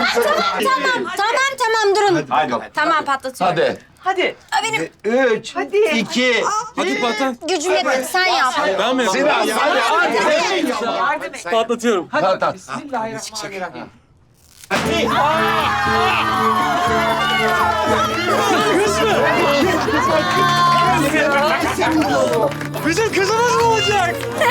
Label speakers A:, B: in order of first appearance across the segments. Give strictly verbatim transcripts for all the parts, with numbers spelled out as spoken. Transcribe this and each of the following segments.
A: tamam, tamam, tamam, tamam, durun.
B: Hadi.
A: Tamam, patlatıyorum.
C: Hadi.
D: Hadi.
A: Aa, benim
B: Üç,
D: Hadi.
B: iki,
E: Hadi patlat.
A: gücüm yetmedi, sen yap.
E: Ben mi yapayım?
C: Hadi, hadi.
D: Yardım et.
E: Patlatıyorum.
C: Tamam, tamam.
D: Bismillahirrahmanirrahim.
E: Bizim kızımız mı olacak?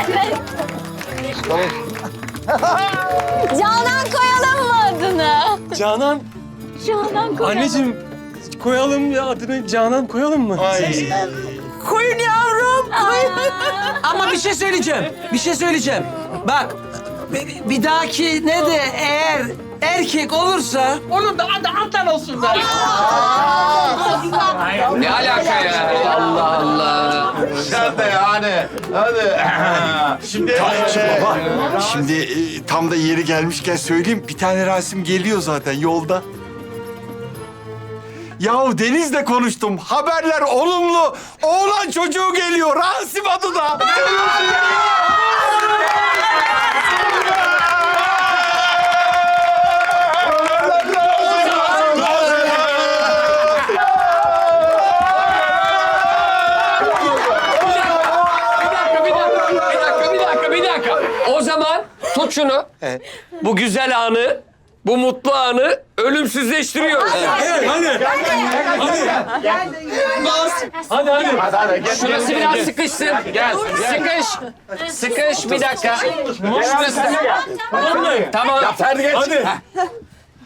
A: Canan koyalım mı adını?
E: Canan.
A: Canan koyalım.
E: Anneciğim koyalım ya adını Canan koyalım mı?
F: Koyun yavrum, koyun. Ama bir şey söyleyeceğim, bir şey söyleyeceğim. Bak, bir, bir dahaki ne de eğer erkek olursa...
D: Onun da adı Adnan olsun da.
C: Ne alaka ya? Allah Allah.
B: Sen de yani. Hadi. Şimdi
G: Baba, şimdi e, tam da yeri gelmişken söyleyeyim. Bir tane Rasim geliyor zaten yolda. Yahu Deniz'le konuştum. Haberler olumlu. Oğlan çocuğu geliyor. Rasim adı da.
C: Bir dakika, bir dakika, bir dakika. O zaman tut şunu. Bu güzel anı, bu mutlu anı ölümsüzleştiriyoruz.
E: Evet hadi. Hadi. Hadi hadi.
C: Şurası biraz sıkışsın. Gel, sıkış. Sıkış bir dakika. Şurası. Tamam.
E: Hadi.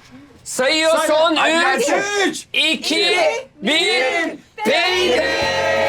C: Sayıyor son üç, iki, bir. Peyde.